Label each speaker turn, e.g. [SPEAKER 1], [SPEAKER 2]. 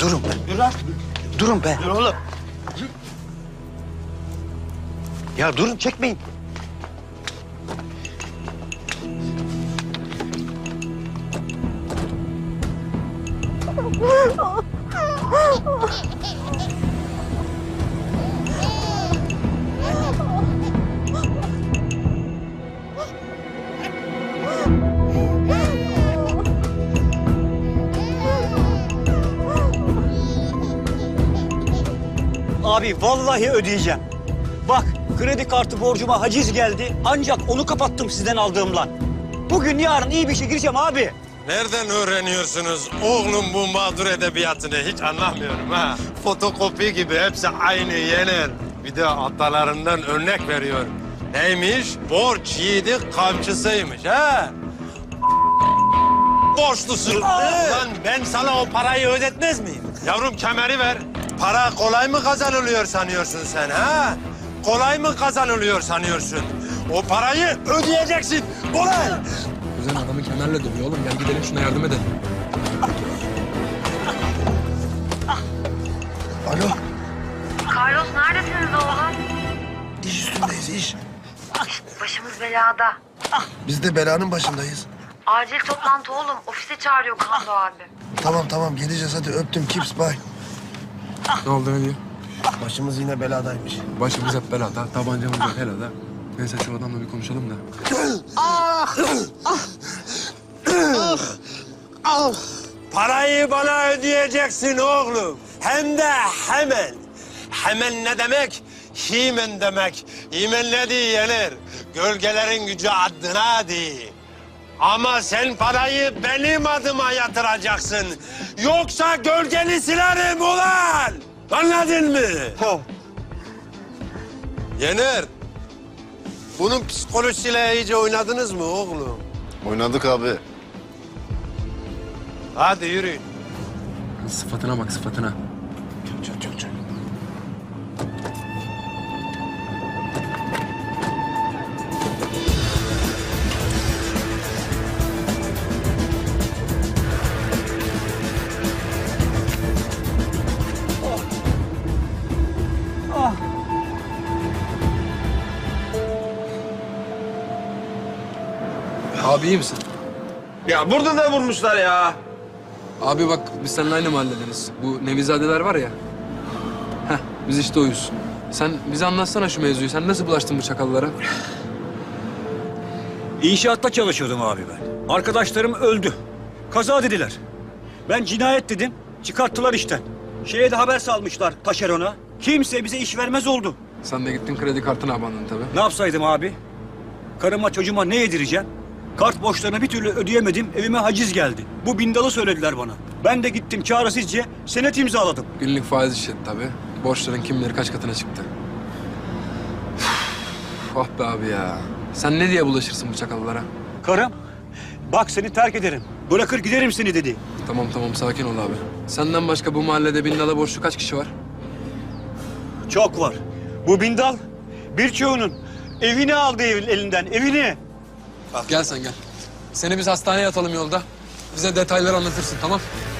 [SPEAKER 1] Durun be.
[SPEAKER 2] Dur lan.
[SPEAKER 1] Durun be.
[SPEAKER 2] Dur oğlum.
[SPEAKER 1] Ya durun, çekmeyin.
[SPEAKER 2] Abi vallahi ödeyeceğim. Bak kredi kartı borcuma haciz geldi. Ancak onu kapattım sizden aldığımla. Bugün yarın iyi bir şey gireceğim abi.
[SPEAKER 3] Nereden öğreniyorsunuz oğlum bu mağdur edebiyatını? Hiç anlamıyorum ha. Fotokopi gibi hepsi aynı Yener. Bir de atalarından örnek veriyor. Neymiş? Borç yiğidi kamçısıymış ha. Borçlusun. Lan ben sana o parayı ödetmez miyim? Yavrum kemeri ver. Para kolay mı kazanılıyor sanıyorsun sen ha? Kolay mı kazanılıyor sanıyorsun? O parayı ödeyeceksin. Kolay.
[SPEAKER 4] Kuzen adamı kemerle dövüyor oğlum. Gel gidelim şuna yardım edelim.
[SPEAKER 1] Alo.
[SPEAKER 5] Carlos neredesiniz oğlum?
[SPEAKER 1] İş üstündeyiz, iş.
[SPEAKER 5] Başımız belada.
[SPEAKER 1] Biz de belanın başındayız.
[SPEAKER 5] Acil toplantı oğlum. Ofise çağırıyor Kando abi.
[SPEAKER 1] Tamam geleceğiz, hadi öptüm, kips, bye.
[SPEAKER 4] Ne oldu, ne diyor?
[SPEAKER 1] Başımız yine beladaymış.
[SPEAKER 4] Başımız hep belada, tabancamız hep helada. Neyse şu adamla bir konuşalım da.
[SPEAKER 3] Parayı bana ödeyeceksin oğlum. Hem de hemen. Hemen ne demek? Himen demek. Himen ne diye yenir? Gölgelerin gücü adına değil. Ama sen parayı benim adıma yatıracaksın. Yoksa gölgeni silerim ulan. Anladın mı? Yener. Bunun psikolojisiyle iyice oynadınız mı oğlum?
[SPEAKER 6] Oynadık abi.
[SPEAKER 3] Hadi yürüyün.
[SPEAKER 4] Sıfatına bak, sıfatına.
[SPEAKER 1] Çok.
[SPEAKER 4] Abi iyi misin?
[SPEAKER 6] Ya burada da vurmuşlar ya.
[SPEAKER 4] Abi bak biz seninle aynı mahalledeniz. Bu Nevizadeler var ya. Heh, biz işte oyuz. Sen bize anlatsana şu mevzuyu. Sen nasıl bulaştın bu çakallara?
[SPEAKER 2] İnşaatta çalışıyordum abi ben. Arkadaşlarım öldü. Kaza dediler. Ben cinayet dedim. Çıkarttılar işten. Şeye de haber salmışlar taşerona. Kimse bize iş vermez oldu.
[SPEAKER 4] Sen de gittin kredi kartına abandın tabii.
[SPEAKER 2] Ne yapsaydım abi? Karıma çocuğuma ne yedireceğim? Kart borçlarını bir türlü ödeyemedim. Evime haciz geldi. Bu bindalı söylediler bana. Ben de gittim çaresizce senet imzaladım.
[SPEAKER 4] Günlük faiz işledi tabii. Borçların kim bilir kaç katına çıktı. Ah be abi ya. Sen ne diye bulaşırsın bu çakallara?
[SPEAKER 2] Karım, bak seni terk ederim. Bırakır giderim seni dedi.
[SPEAKER 4] Tamam sakin ol abi. Senden başka bu mahallede bindala borçlu kaç kişi var?
[SPEAKER 2] Çok var. Bu bindal birçoğunun evini aldı elinden, evini.
[SPEAKER 4] Gel sen gel. Seni biz hastaneye atalım yolda. Bize detayları anlatırsın tamam?